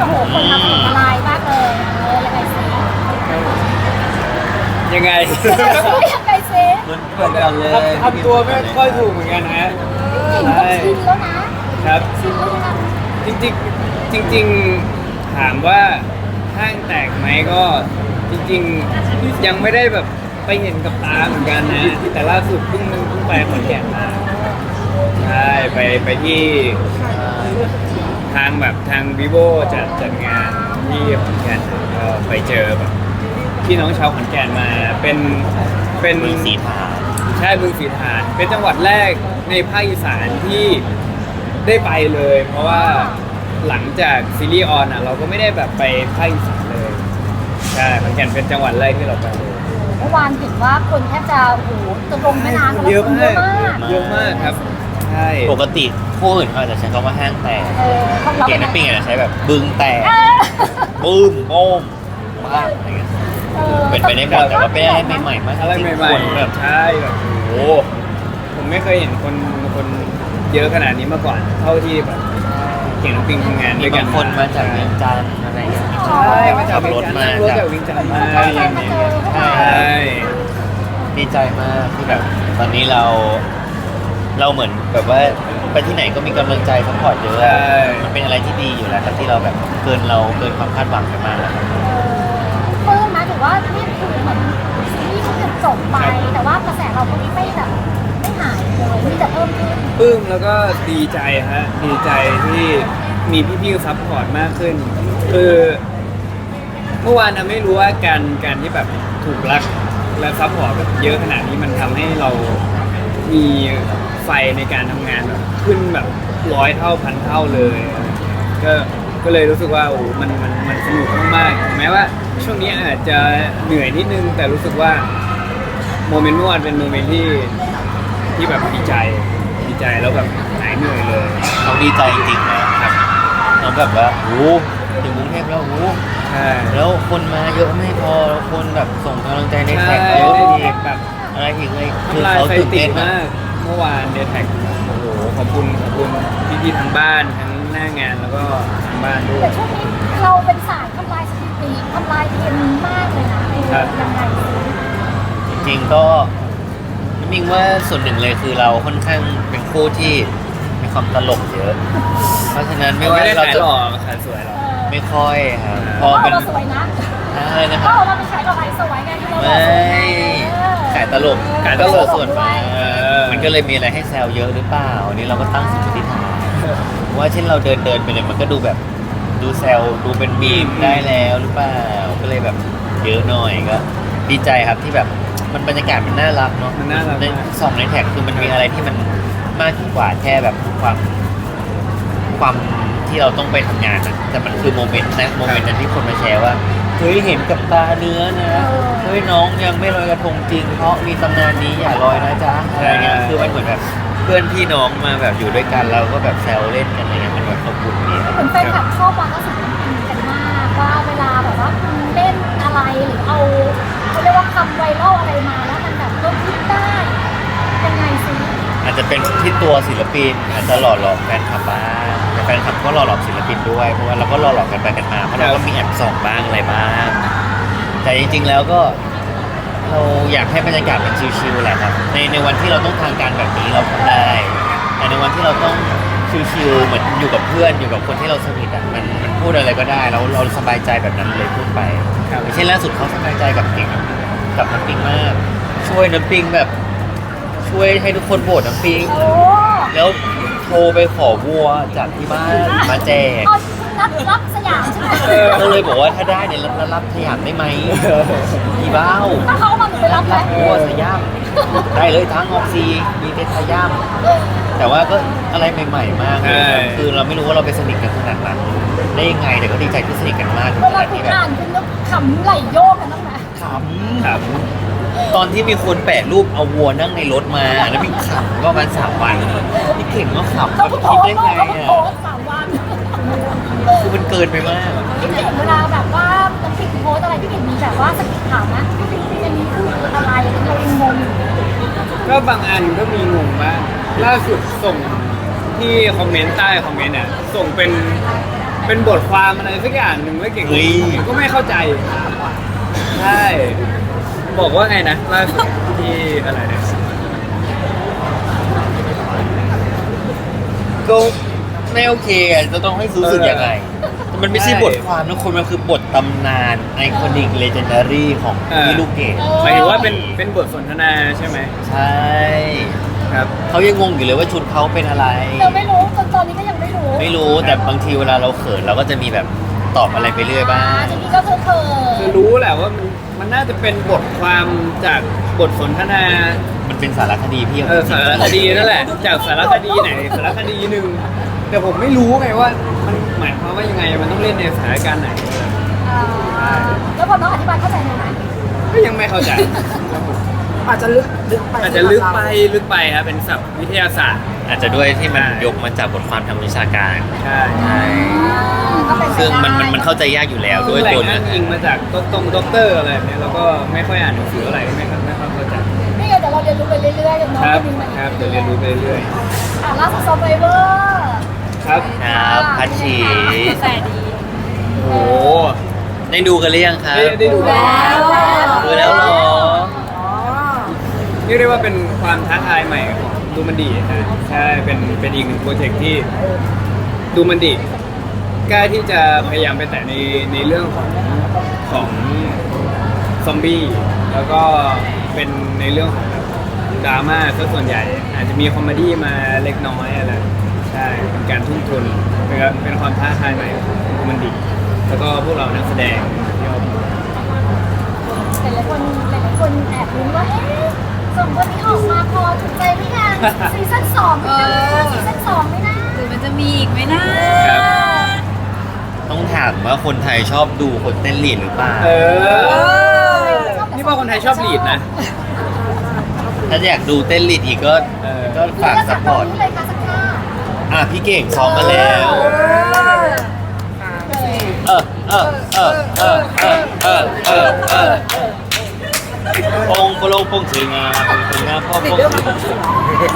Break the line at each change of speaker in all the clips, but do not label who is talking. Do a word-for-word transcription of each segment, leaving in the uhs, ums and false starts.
โหคนทำถล่มทลายมากเลยเออยังไงสิ
ยังไง
ยังไงสิ
เหมือนเหมือนกันเลย
ทำตัวไม่ค่อยถูกเหมือนกันฮะ
เก่งก็ชินแล้วนะครับ ชินแล้วนะ
จริงๆจริงๆถามว่าห้างแตกไหมก็จริงๆยังไม่ได้แบบไปเห็นกับตาเหมือนกันนะแต่ล่าสุดเพิ่งเพิ่งไปขอนแก่นมาใช่ไปไปที่ทางแบบทาง vivo จัดจัดงานที่ขอนแก่นก็ไปเจอแบบพี่น้องชาวขอนแก่นมาเป็นเป็น
มือสีทา
ใช่บึงสีฐานเป็นจังหวัดแรกในภาคอีสานที่ได้ไปเลย เพราะว่าหลังจากซีรีส์ออนอ่ะเราก็ไม่ได้แบบไปภาคอีสานเลยใช่ขอนแก่นเป็นจังหวัดแรกที่เราไปเลย
เมื่อวานเห็นว่าคนแทบจะโอ้โหจะลงแม่น้ำ
เยอะมาก
เยอะมาก
เยอะมากครับใช่
ปกติคู่อื่นเขาอาจจะใช้คำว่าห้างแตก
เออของเรา
เกมน้ำปิ้งอาจจะใช้แบบบึงแตก
เออ
ปื้มโป้มมากอะไรเงี้ย
ออ
เป็นไปได้หมดแต่ว่าเป็นอะไรใหม่ๆมาก
อะไร
จงๆ
ใหม่
คน
ๆ
แบบ
ใช่แบบโอ้โหผมไม่เคยเห็นคนคนเยอะขนาดนี้มาก่อน เท่าที่แบบเก่งน้ำปิงทำงาน
มี
ด้วยกับ
าน งคนมาจากเวียงจันทร์อะไรเงี้ย
ใช่มาจาก
ขับรถมา
นั่งรถจากวิงจันทร์มา
ตั้งใจมาเจอพวก
ใช่
เรา
ใช่
ดีใจมากที่แบบตอนนี้เรา เราเหมือนแบบว่าไปที่ไหนก็มีกำลังใจซัพพอร์ตเยอะ
ใช่
มันเป็นอะไรที่ดีอยู่แล้วครับที่เราแบบเกินเราเกินความคาดหวังไปมากแล้วครับ
เพิ่มมาถือว่านี่คือเหมือนซีรีส์เขาจะจบไป แต่ว่ากระแสเราก็ไม่แบบไม่หายเลยมีแต่เพิ่มขึ้น
ปลื้มแล้วก็ดีใจฮะดีใจที่มีพี่ๆซัพพอร์ตมากขึ้น คือเมื่อวานนะไม่รู้ว่าการการที่แบบถูกรักและซัพพอร์ตแบบเยอะขนาดนี้มันทำให้เรามีไฟในการทำงานแบบขึ้นแบบร้อยเท่าพันเท่าเลย ก็ก็เลยรู้สึกว่าโอ้มันมันมันสนุกมากๆถึงแม้ว่าช่วงนี้อาจจะเหนื่อยนิดนึงแต่รู้สึกว่าโมเมนต์เมื่อวานเป็นโมเมนต์ที่ที่แบบดีใจดีใจแล้วแบบหายเหนื่อยเลย
น้องดีใจจริงๆนะครับน้องแบบว่าโอ้โหถึงกรุงเทพแล้วโอ้โห
ใช่
แล้วคนมาเยอะไม่พอแล้วคนแบบส่งกำลังใจใน
ใช่
แท็กเยอะ
ได้
อี
แท็
ก
กแบบ
อะไรอีกเลยคือ
ทำลาย
เขา
สถิ
ตื่น
ติ
เต้นมาม
าก กเมื่อวานเดทแท็กโอ้โหขอบคุณขอบคุณพี่ๆทั้งบ้านทั้งหน้างานแล้วก็ทางบ้านด้วย
แต่ช่วงนี้เราเป็นสายทำลายสถิติทำลายเทรนด์มากเลยนะเออ
ครับ
ยังไง
จริงๆก็น้ำมิงว่าส่วนหนึ่งเลยคือเราค่อนข้างเป็นคู่ที่มีความตลกเยอะ เพราะฉะนั้นไม่
ไม่
ว่า
ได้
เรา
ขาย
จะ
หล่อขายสวยหรอก
ไม่ค่อยครับพ
เพ
อ
ราะ
เป็น
เราสวยนะ
อะไรนะ
เพ
ครับ
ราะเราเป็นสายเราไสวยไงที่เรา
ไม่
สวยไงเออ
ขายตลก
ขายตลก
ส่วนมาก
เออ
มันก็เลยมีอะไรให้แซวเยอะหรือเปล่าอันนี้เราก็ตั้งสมมติฐานว่าเช่นเราเดินเดินไปเลยมันก็ดูแบบดูแซวดูเป็นมีมได้แล้วหรือเปล่าก็เลยแบบเยอะหน่อยก็ดีใจครับที่แบบมันบรรยากาศมันน่ารักเนาะ
มันน่ารัก
ใน
มาก
สองในแท็กคือมันมีอะไรที่มันมากกว่าแค่แบบความความที่เราต้องไปทำงานอะแต่มันคือโมเมนต์นะโมเมนต์นั้นที่คนมาแชร์ว่าเฮ้ยเห็นกับตาเนื้อนะเฮ้ยน้องยังไม่ลอยกระทงจริงเพราะมีตำนานนี้อย่าลอยนะจ๊ะอะไรเงี้ยคือมันเหมือนแบบเพื่อนพี่น้องมาแบบอยู่ด้วยกันเราก็แบบแซวเล่นกันอะไรเงี้ยมันแบบอบอุ่นดีครับ
เหมือนแฟนคลับชอบวางกระสุนกันมากว่าเวลาแบบว่าคุณเล่นอะไรหรือเอาเขาเรียกว่าคำไวรัลอะไรมาแล้วมันแบบก็คิดได้ยังไงซิ
อาจจะเป็นที่ตัวศิลปินอาจจะหล่อหลอกแฟนคลับบ้างแต่แฟนคลับก็หล่อหลอกศิลปินด้วยเพราะว่าเราก็หล่อหลอกกันไปกันมาเพราะเราก็มีแอบส่องบ้างอะไรบ้างแต่จริงๆแล้วก็เราอยากให้บรรยากาศมันชิลๆแหละครับในในวันที่เราต้องทางการแบบนี้เราทำได้ แต่ในวันที่เราต้องชิลๆเหมือนอยู่กับเพื่อนอยู่กับคนที่เราสนิทอ่ะมันมันพูดอะไรก็ได้แล้วเราสบายใจแบบนั้นเลยพูดไป
ครับ
อย่างเช่นล่าสุดเขาสบายใจกับปิงกับน้ำปิงมาก ช่วยน้ำปิงแบบช่วยให้ทุกคนโหวตน้ำปิง
โอ้
แล้วโทรไปขอวัวจากที่บ้านมาแจก
เอารับรับสยามใช่ไหม
เออ
ก็เลยบอกว่าถ้าได้เนี่ยรับรับสยามได้ไหมอีบ้าว
ถ้าเขาเอามาหนูไปรับไหม
รับวัวสยามได้เลยทั้งออกซีมีเทสยามแต่ว่าก็อะไรใหม่ๆมากเลย
ใช่
คือเราไม่รู้ว่าเราไปสนิทกันขนาดนั้นได้ยังไงแต่ก็ดีใจที่สนิทกันมากถึง
เว
ข
ลา
นาด
คุณ
ที่แบบ
อ่านคุณนึกขำไหลโยกกันบ้างไหม
ขำ
ครับ
ตอนที่มีคนแปะรูปเอาวัวนั่งในรถมาแล้วมีขำก็ประมาณสามวันพี่เข่งก็ขำแบ
เขา
บ
เพิ่งโพ
คิด
ส
ได้
ต์
ไง
เขาเพิ่ง
อ่ะ
โพสต์สามวัน
คือมันเกินไปมาก
พี่เห็นเวลาแบบว่าน้ำพริกโพสต์อะไรพี่เห็นมีแบบว่าสกิดถามนะพี่เห็นมีพูดอะไรเราเองงงอยู่
ก็บางอันก็มีงงบ้างล่าสุดส่งที่คอมเมนต์ใต้คอมเมนต์อ่ะส่งเป็นเป็นบทความอะไรสักอย่างหนึ่งไม่เก่งผมก็ไม่เข้าใจใช่บอกว่าไงนะล่าสุดที่อะไรเนี่ย
ก็ไม่โอเคอ่ะจะต้องให้รู้สึกยังไงแต่มันไม่ใช่
ใช่
บทความนะคนมันคือบทตำนานไอคอนิกเลเจนดารี่ของ
เออ
พี่ลูกเกด
หมายถึงว่าเป็นเป็นบทสนทนาใช่ไหม
ใช่
ครับ
เขายังงงอยู่เลยว่าชุดเขาเป็นอะไร
เราไม่รู้จนตอนนี้ก็ยังไม่รู้
ไม่รู้แต่บางทีเวลาเราเขินเราก็จะมีแบบตอบอะไรไปเรื่อยบ้าง
จริงๆก็คือเธอ
คือรู้แหละว่ามันมันน่าจะเป็นบทความจากบทสนทนา
มันเป็นสารคดีพี่
เออสารคดีนั่นแหละ จากสารคดีไหนสารคดีหนึ่งแต่ผมไม่รู้ไงว่ามันหมายความว่ายังไงมันต้องเล่นในสถานการณ์ไหน
อ่าแล้วพอน้องอธิบายเข้าใจไหม
ก็ยังไม่เข้าใจ
อาจจะลึกลึกไป
อาจจะลึกไปลึกไปครับเป็นศัพท์วิทยาศาสตร์
อาจจะด้วยที่มัน
ใช่
ยกมาจากบทความทางวิชาการ
ใช่
ใช่
ก็เป็นไป
ซึ่งมัน
ได้
มันมันเข้าใจยากอยู่แล้วด้วย
แหล่
ตัว
ง
เนื้
อ้า
อง
อิงมาจากต้นตรงด็อกเตอร์อะไรแบบเนี้ยแล้วก็ไม่ค่อยอ่านหนังสืออะไรไม่ค่อยไม่ค่อยเข้าใจ
นี่ไงเดี๋ยวเราเรียนรู้ไปเรื่อยๆกันเนาะ
ครับ
มีมา
ครับเดี๋ยวเรียนรู้ไปเรื่อย
อ่าล่าสุดซอฟต์แวร์
ๆครับ
ครับพัชชี
แต่ดี
โอ้โห
ได้ดูกันหรือยังครับ
ได้ได้ดูกัน
ดูแล้วเหรอ
อ๋อ
เรียกได้ว่าเป็นความท้าทายใหม่ของดูมันดีนะใช่เป็นเป็นอีกหนึ่งโปรเจกต์ที่ดูมันดีกล้าที่จะพยายามไปแต่ในในเรื่องของของซอมบี้แล้วก็เป็นในเรื่องของแบบดราม่าซะส่วนใหญ่ อาจจะมีคอมเมดี้มาเล็กน้อยอะไรใช่เป็นการทุ่มทุนเป็นเป็นความท้าทายใหม่ของดูมันดีแล้วก็พวกเรานักแสดงที่เอา
หลายๆคนหลายๆคนแอบรู้นว่าเอ๊ะสองคนนี้ออกมาพอถูกใจหรือยังซีซั่นสองไม่น่าซีซั่นสองไม่น่า
หรือมันจะมีอีกไหมนะ
ครับ
ต้องถามว่าคนไทยชอบดูคนเต้นลีดหรือเปล่า
เออ นี่ว่าคนไทยชอบลีดนะ
ถ้าอยากดูเต้นลีดอีกก็
เออ
ก็ฝากซัพพอร์ต
เลยค่ะสักท่า
อ่ะพี่เก่งซ้อมมาแล้ว เออเออเออเออเออเออเออเออปงโปโลงปงถึงอ่ะปงถึงอ่ะพ่อปงถึง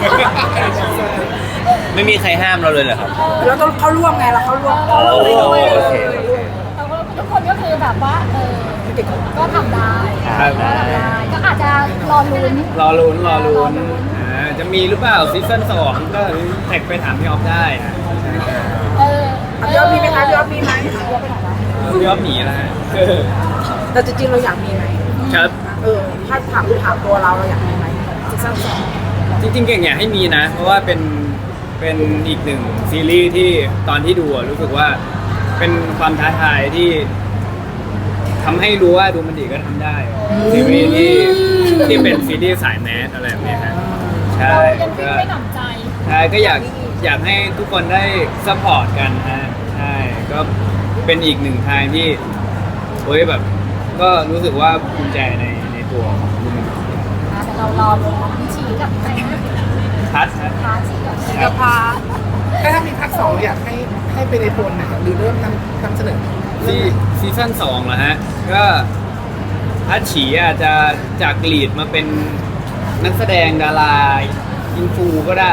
ไม่มีใครห้ามเราเลยเหรอครับ
แล้วต้องเข้าร่วมไงเราเข้าร่วม
โอ้โอเค
แต่ว่าทุกคนก็คือแบบว่าเออก็ทำได้
ครับ
ก็ทำได้ก็อาจจะรอลุ้น
รอลุ้นรอลุ้นอ่าจะมีหรือเปล่าซีซั่นสองก็แท็กไปถามพี่ออฟได้นะ
เออ
อ่ะพี่อ๊อฟมีไหมคะพี่อ๊อฟมีไหม
พี่ออฟหนีแล้วฮะ
แต่จริงๆเราอยากมีไหม
ครับ
เออถ้าถามถามตัวเราเราอยากมีไหมซีซั่นสอง
จริงๆเก่งอยากให้มีนะ เพราะว่าเป็นเป็นอีกหนึ่งซีรีส์ที่ตอนที่ดูอะรู้สึกว่าเป็นความท้าทายที่ทำให้รู้ว่าดูมันดีก็ทำได้ซีรีส์ที่ที่เป็นซีรีส์สายแมสอะไรแบบเนี้ยฮะใช่
เรายังวิ่
ก็
งไม่หนำใจ
ใช่ก็อยากอยากให้ทุกคนได้ซัพพอร์ตกันฮะใช่ก็เป็นอีกหนึ่งทางที่เฮ้ยแบบ ก็รู้สึกว่าภูมิใจในในตัวของดูมันดี
แต่เรารอลุ้นพี่ชีกับใครนะ
พัดฮะ
พาชีกับ
กับพา
ถ้ามีภาคสองอยากให้ให้ไปในโทนไหนหรือเริ่มนำนำเสนอ
ซีซีซั่นสองเหรอฮะ ก็พัดฉีอาจจะจากลีดมาเป็นนักแสดงดาราอินฟูก็ได้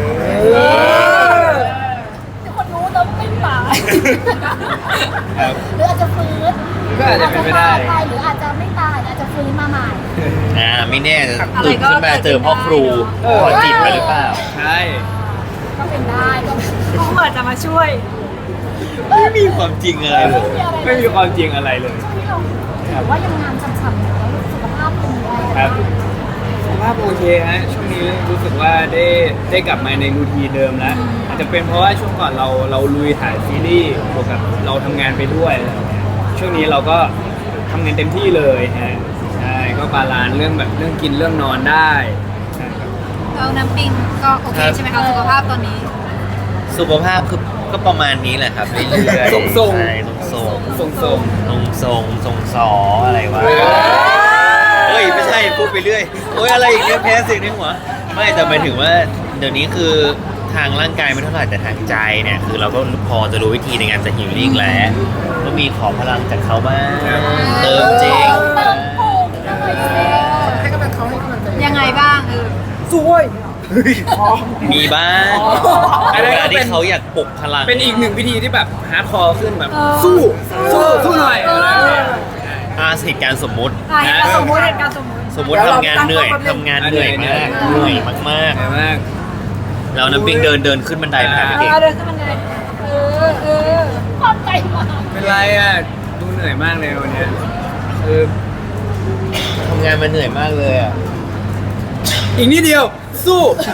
ทุกคนรู้แล้วไม่ตาย
ครับ
หรืออาจจะฟื้น
ก็อาจจะเป็นไปได้
อาจจะตายหรืออาจจะไม่ตายอาจจะฟื้นมาใหม่
อ่าไม่แน่จะตื่นขึ้นมาเจอพ่อครู
เออ
ขอจิตไปหรือเปล่า
ใช่
ก็เป็นได้ก็
เขาเหมือนจะมาช่วย
ไม่มีความจริงอะไรเลย
ไม่มีความจริงอะไรเลย
ช่วงนี้เราถือว่ายังงานฉ่ำๆอยู่แล้วสุขภาพเป็นยังไง
ครับสุขภาพโอเคฮะ ช่วงนี้รู้สึกว่าได้ได้กลับมาในรูทีนเดิมแล้ว อาจจะเป็นเพราะว่าช่วงก่อนเราเราลุยถ่ายซีรีส์บวกกับเราทำงานไปด้วยอะไรอย่างเงี้ยช่วงนี้เราก็ทำงานเต็มที่เลยฮะ ใช่ ก็บาลานซ์เรื่องแบบเรื่องกินเรื่องนอนได้ใช่ครับ
เราน้ำปิงก็โอเคใช่ไหมคะสุขภาพตอนนี้
สุขภาพคือก็ประมาณนี้แหละครับเรื่อยๆ
ทรงๆ
ใช่ทรงๆ
ทรงๆ
ทรงทรงทรงทรงสออะไรวะ
เออ
เฮ้ยไม่ใช่พูดไปเรื่อยโอ้ยอะไรอีกเนี่ยแพ้เสิ่งในหัวไม่แต่หมายถึงว่าเดี๋ยวนี้คือทางร่างกายไม่เท่าไหร่แต่ทางใจเนี่ยคือเราก็พอจะรู้วิธีในการจะฮิลลิ่งแล้วก็มีขอพลังจากเขาบ้างเติมจริง
เติมปูนหน่อยสิ
ให้กำลังเขาให้กำลังใจ
ยังไงบ้างเออ
สวย
มีบ้าง
อันนั้น
เว
ก็
ลา
เป็
ที่
น
เขาอยากปลุกพลัง
เป็นอีกหนึ่งพิธีที่แบบฮาร์ดคอร์ขึ้นแบบสู้สู้สู้หน่อยอะไรแบบเนี้ย
อาเหตุการณ์สมมุติ
อ่ะเหตุการณ์สมมติเหตุการณ์สมมติ
สมมุติทำงานเหนื่อยทำงานเหนื่อยมากเหนื่อยมาก
เหนื่อยมาก
ๆแล้วน้ำปิงเดินเดินขึ้นบันไดไปหาพี่เก่ง
เอาเดินขึ้นบันไดเออเออ
ความใจมาก
เป็นไรอ่ะดูเหนื่อยมากเลยวันเนี้ยคือ
ทำงานมันเหนื่อยมากเลยอ่ะ
อีกนิดเดียวสู้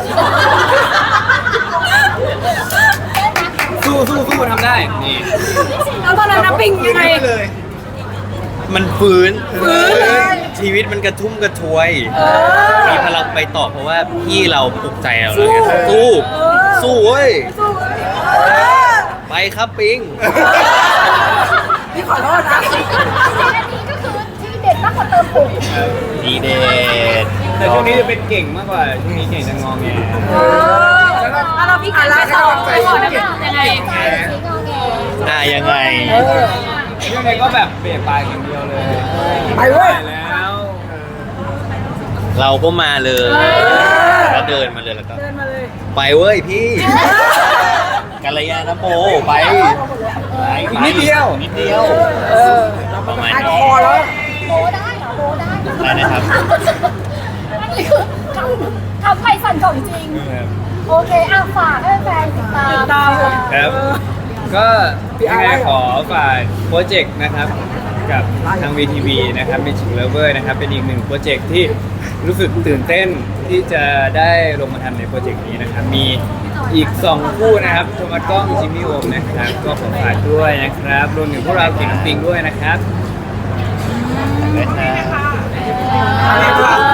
สู้สู้สู้ทำได้นี่
แล้วตอนนั้นน้ำปิงยังไง
เลย
มันฟื้นฟื้นชีวิตมันกระทุ่มกระทวย มีพลังไปต่อเพราะว่าพี่เราปลุกใจเราแล้วไงสู้ สู้เว้ย ไปครับปิง
พี่ขอโทษนะ
อันนี้ก็คือที่เด็ดมากกว่าเติมปุ๋ย
ดีเดน
แต่ช่วงนี้จะเป็นเก่งมากกว่าช่วงนี้เก่งจะงองแง
เออแล้วเราพี่ขอแล้วต่อไปก่อนได้ไหมยังไง
ใจสีงอแง
อ่ะยังไง
ยังไงก็แบบเปลี่ยนปลายอย่างเดียวเลย
ไปเว้ย
แล้ว
เราก็มาเลยแล้วเดินมาเลยแล้วก็
เดินมาเลย
ไปเว้ยพี่กัลยาณโมไปไป
อีกนิดเดียว
นิดเดียวประมาณนี้
โบได้เหรอโบได้เหรอ
ได้นะครับ
อันนี้คือทำทำไปสั่นของจริง โอเคอ่ะฝากให้แฟนติดตาม
ตาม
ครับ ก็ยังไงขอฝากโปรเจกต์นะครับกับทาง วี ที วี นะครับ Magic Lover นะครับ เป็นอีกหนึ่งโปรเจกต์ที่รู้สึกตื่นเต้นที่จะได้ลงมาทำในโปรเจกต์นี้นะครับ มีอีกสองคู่นะครับโทมัสกล้องจิมมี่โอมนะครับ ก็ขอฝากด้วยนะครับ รวมถึงพวกเราเก่งน้ำปิงด้วยนะครับ
ได้ครับ
อ่า